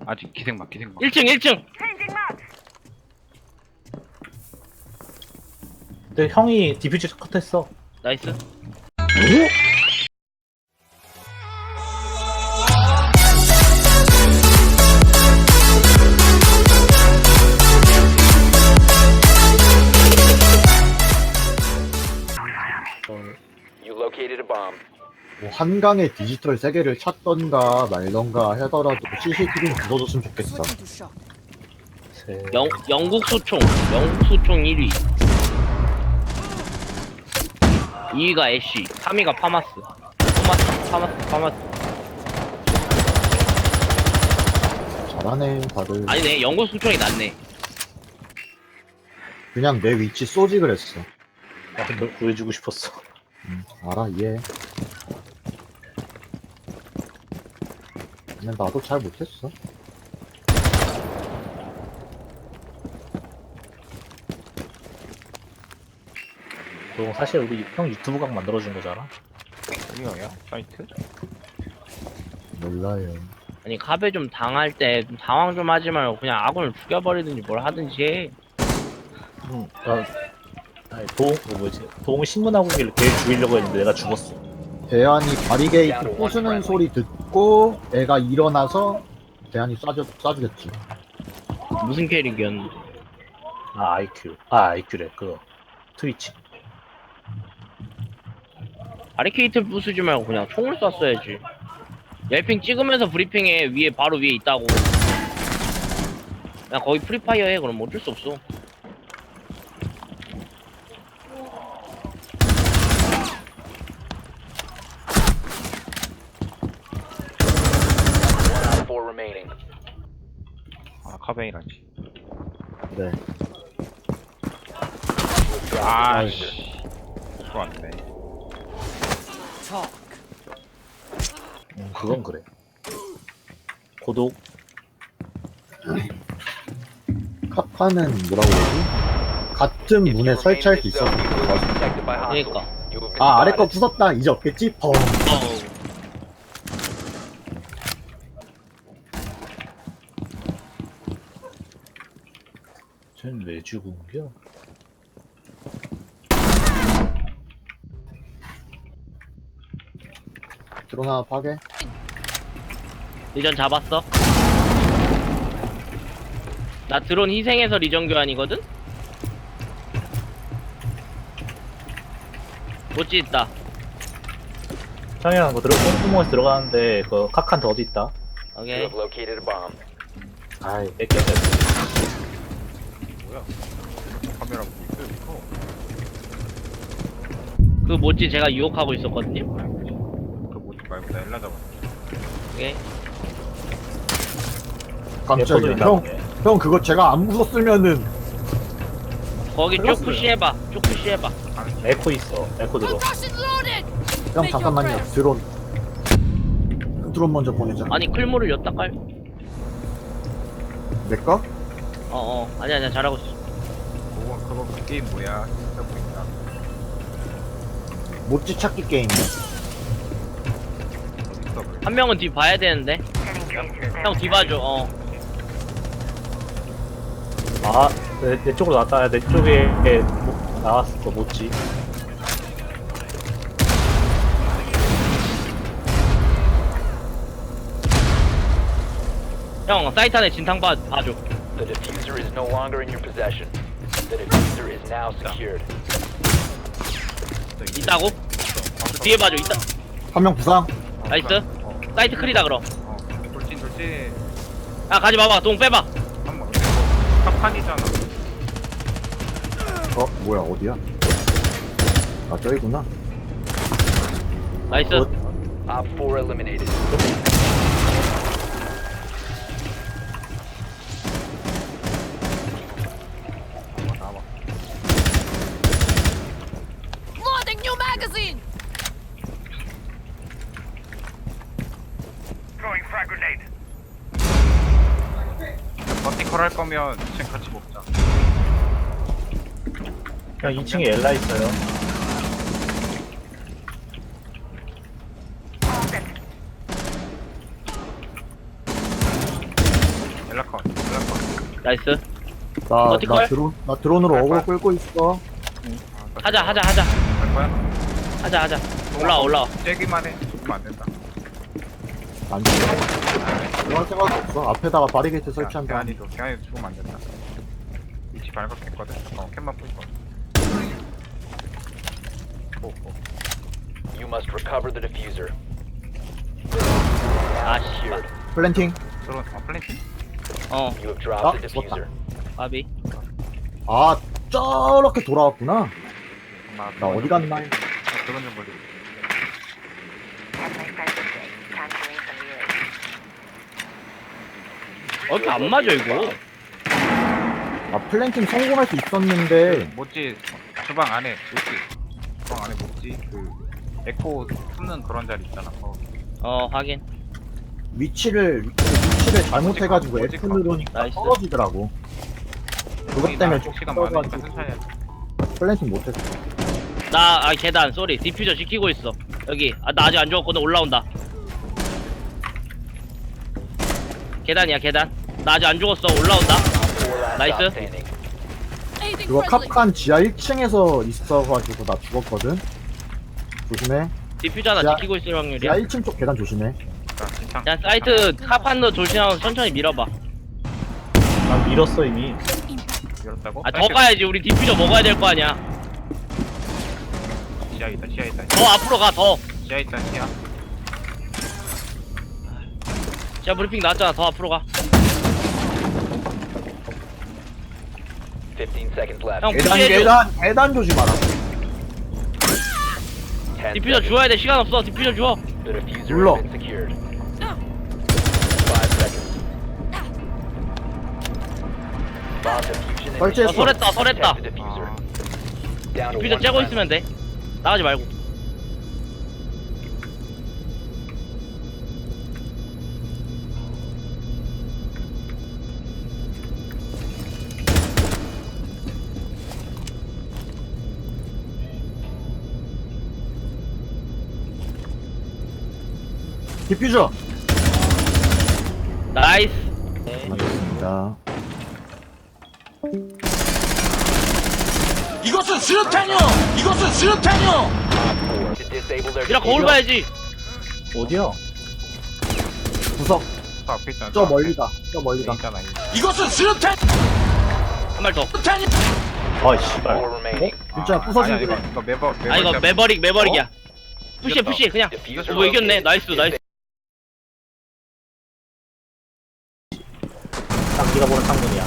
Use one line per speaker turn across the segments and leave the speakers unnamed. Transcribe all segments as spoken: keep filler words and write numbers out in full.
아직 기생막 기생막.
일 층 일 층.
근데 형이 디퓨즈 컷했어.
나이스.
You located a bomb.
뭐 한강에 디지털 세계를 찾던가 말던가 하더라도 씨씨티비는 부숴줬으면 좋겠어.
세...
영 영국 소총. 영국 소총 일 위. 이 위가 애쉬. 삼 위가 파마스. 파마스 파마스 파마스.
잘하네 다들.
아니네. 영국 소총이 낫네.
그냥 내 위치 쏘지 그랬어.
나도 널 구해주고 싶었어.
응, 알아 이해. 근데 나도 잘 못했어.
너 사실 우리 형 유튜브 각 만들어준 거잖아.
아니야 사이트?
몰라요.
아니 카베 좀 당할 때 좀 당황 좀 하지 말고 그냥 아군을 죽여버리든지 뭘 하든지 해.
응. 나 아니 도웅 그 뭐지? 도웅 신문하고 있길래 걔 죽이려고 했는데 내가 죽었어.
대안이 바리게이트 부수는 소리 듣고 애가 일어나서 대안이 쏴주, 쏴주겠지.
무슨 캐릭이었는데.
아 아이큐. 아 아이큐래 그 트위치.
바리케이트를 부수지 말고 그냥 총을 쐈어야지. 옐핑 찍으면서 브리핑에 위에 바로 위에 있다고. 그냥 거기 프리파이어 해. 그럼 어쩔 수 없어.
One out of four remaining.
아 카베이라지.
그래.
아씨. 좋았네.
음, 그건 그래. 고독.
카파는 뭐라고 그러지? 같은
If
문에
you remain in
설치할 수
this
있어.
zone, you will be detected by hostiles.
그러니까.
You have been
아 아래 거
spotted.
부쉈다 이제 없겠지? 펑.
어우.
쟤는 왜 죽은겨?
드론 하나 파괴.
리전 잡았어? 나 드론 희생해서 리전 교환이거든? 못지 있다.
형이랑 뭐 들어 꽁꽁에서 들어가는데 그 카칸트 어디 있다?
You
오케이.
have located a bomb.
아이 뺏겼네.
뭐야? 카메라 보고 있어 이거.
그 못지 제가 유혹하고 있었거든요.
그 뭐지 말고 나 엘라 잡았어.
오케이.
깜짝이야.
레포도 있나
형,
보네.
형 그거 제가 안 부쉈으면은
거기 쭉
플러스네요.
푸시해봐. 쭉 푸시해봐.
에코 있어. 에코 들어.
형 잠깐만요. 드론. 드론 먼저 보내자.
아니 클모를 엿다 깔.
내 거?
어어. 아니 아니야 잘하고 있어.
그거 그거 그 게임 뭐야? 진짜 보인다.
못지 찾기 게임이야.
어디 있어 그래?
한 명은 뒤 봐야 되는데. 형 뒤 봐줘. 어.
아, 내, 내 쪽으로 나왔다. 내 쪽에 뭐, 나왔어. 못지.
형 사이트 안에 진탕 봐 봐줘.
The diffuser is no longer in your possession. The diffuser is now secured.
있다고? 뒤에 봐줘. 있다.
한 명 부상.
어,
나이스.
어,
사이트 클이다 그럼.
어. 돌진 돌진.
야 가지 마봐. 동 빼봐.
한번 탑판이잖아.
어 뭐야 어디야? 아 저기구나.
나이스.
굿.
Op four eliminated.
나와.
Loading new magazine!
버티컬 할 거면 지금 같이 먹자.
형 이 층에 엘라 있어요.
멜라컨 멜라컨.
나이스.
나,
어떡할?
나 드론, 나 드론으로
할
어그로
거야?
끌고 있어.
하자 하자 하자
할 거야?
하자 하자. 올라와 올라와.
쬐기만 해. 그럼 안 된다.
안 돼. 들어갈 생각도 없어. 앞에다가 바리게이트 설치한 다음에.
대안이도 대안이도 죽으면 안 된다. 위치 발각했거든. 어 캔만 풀 거. 오, 오.
You must recover the diffuser.
아
Now
씨발.
secured.
플랜팅.
들어. 어 플랜팅?
어
You have dropped
아,
the diffuser.
바비.
아, 저렇게 돌아왔구나.
나,
나 어디 갔나?
나 그런 좀 걸리.
어 이렇게 안 맞아 이거.
아, 플랜팅 성공할 수 있었는데.
못지 주방 안에 못지 주방 안에 못지 그 에코 숨는 그런 자리 있잖아. 어.
어 확인.
위치를 위치를 잘못해가지고
뭐지,
F 누르니까
나이스.
떨어지더라고. 그것 때문에 좀
시간 많으니까
떨어가지고
천천히 해.
플랜팅 못했어.
나 아 계단 쏘리 디퓨저 지키고 있어. 여기 아 나 아직 안 죽었거든. 올라온다. 계단이야 계단. 나 아직 안 죽었어. 올라온다.
Four last
Nice.
stop standing.
Anything
그거
friendly.
캅칸 지하 일 층에서 있어가지고 나 죽었거든. 조심해.
디퓨저 하나
야.
지키고 있을
지하
확률이야.
일 층 쪽 계단 조심해.
자, 진창.
그냥 사이트 카판도 조심하고 천천히 밀어봐.
난 밀었어 이미.
열었다고?
아 더 가야지. 우리 디퓨저 먹어야 될 거 아니야.
지하 있다. 지하 있다.
더 앞으로 가 더.
지하 있다. 지하.
자 브리핑 나왔잖아. 더 앞으로 가.
Fifteen seconds left.
형
계단
푸시해줘.
계단 계단 조심하라.
Ten
디퓨저
seconds.
주워야 돼. 시간 없어. 디퓨저 주워.
The diffuser
눌러.
has been secured. Five seconds. Bomb diffusion
설치했어.
어, 설했다 설했다.
Protect the diffuser.
아,
Down to
디퓨저
one
째고
friendly.
있으면 돼. 나가지 말고.
디퓨저.
나이스.
알겠습니다.
이것은 수류탄이요! 이것은 수류탄이요!
Op four to disable their
미라 거울
diffuser.
봐야지.
어디야?
구석.
저 앞에 있잖아.
저
앞에.
멀리다. 저 멀리다.
여기 있잖아. 여기.
이것은 수류탄!
한 발 더.
수류탄이!
아 씨발.
Four remaining.
진짜
아,
부서진
아니야,
거.
이거 이거 매버 매버.
아 이거 매버릭 매버릭이야. 푸시해
이겼다.
푸시해 그냥.
Diffuser
어, 뭐 이겼네.
located.
나이스 나이스.
딱 네가 보는 창문이야.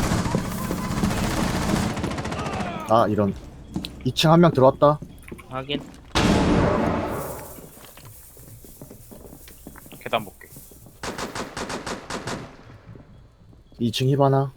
아 이런. 이 층 한 명 들어왔다.
확인.
계단 볼게.
이 층 히바나.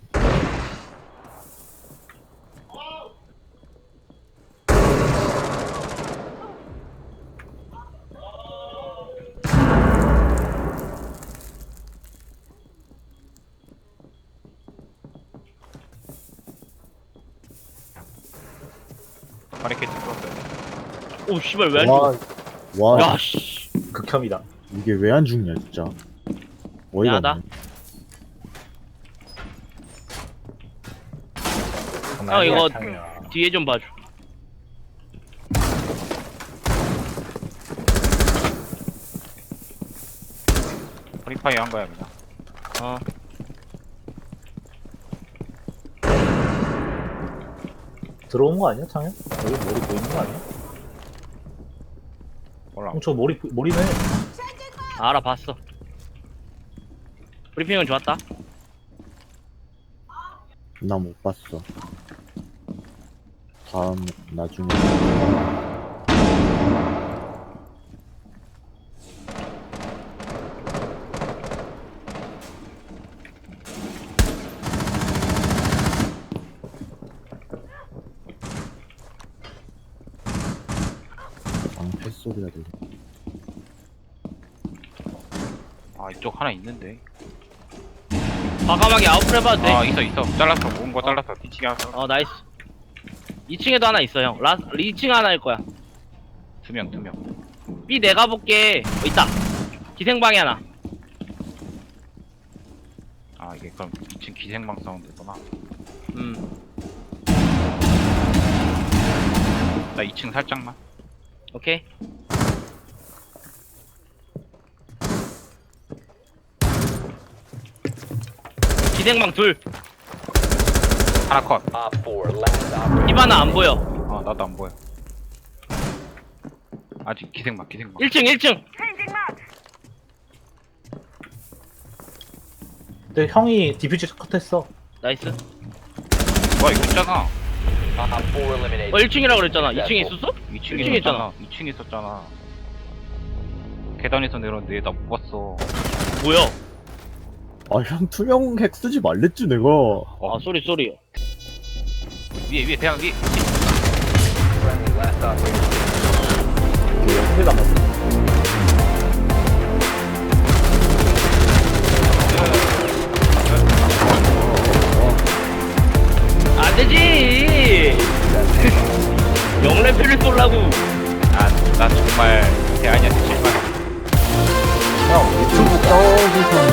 바리케이트 풀었어요.
오 씨발 왜 안
와,
죽어?
와,
야 씨.
극혐이다.
이게 왜 안 죽냐 진짜. 어이가
미안하다.
없네.
형 이거
장이야.
뒤에 좀 봐줘.
프리파이 한 거야 그냥.
어.
들어온 거 아니야 창현? 여기 머리 보이는 거 아니야?
몰라.
형 저 머리 보- 머리네.
알아봤어. 브리핑은 좋았다.
나 못 봤어. 다음 나중에. 방패 소리가 들려.
아 이쪽 하나 있는데.
과감하게 아웃풀 해봐도 돼.
아 있어 있어. 잘랐어. 모은 거 잘랐어. 뒤치기 하서.
어 나이스. 이 층에도 하나 있어 형. 라 이 층 하나일 거야.
두 명 두 명.
B 내가 볼게. 어, 있다. 기생방에 하나.
아 아 이게 그럼 이 층 기생방 사운드구나.
음
나 이 층 살짝만.
오케이. 기생방 둘.
하나 컷.
Op four, last operator.
히바나 안 보여.
어 나도 안 보여. 아직 기생방 기생방.
일 층 일 층.
근데 형이 디퓨저 컷했어.
나이스.
와 이거 있잖아.
Op four eliminated.
어 일 층이라 그랬잖아. 이 층에 있었어?
이 층에
일 층에
있었잖아. 이 층에 있었잖아. 계단에서 내렸는데 나 못 봤어.
뭐야?
아형 투명 핵 쓰지 말랬지 내가.
아 쏘리 쏘리.
위에 위에 대학 위에.
Friendly, last operator.
한대 남았어.
안 되지. 영레필을 쏠라고.
아나 정말 대한이한테 실망.
형 유튜브 떠오기 전에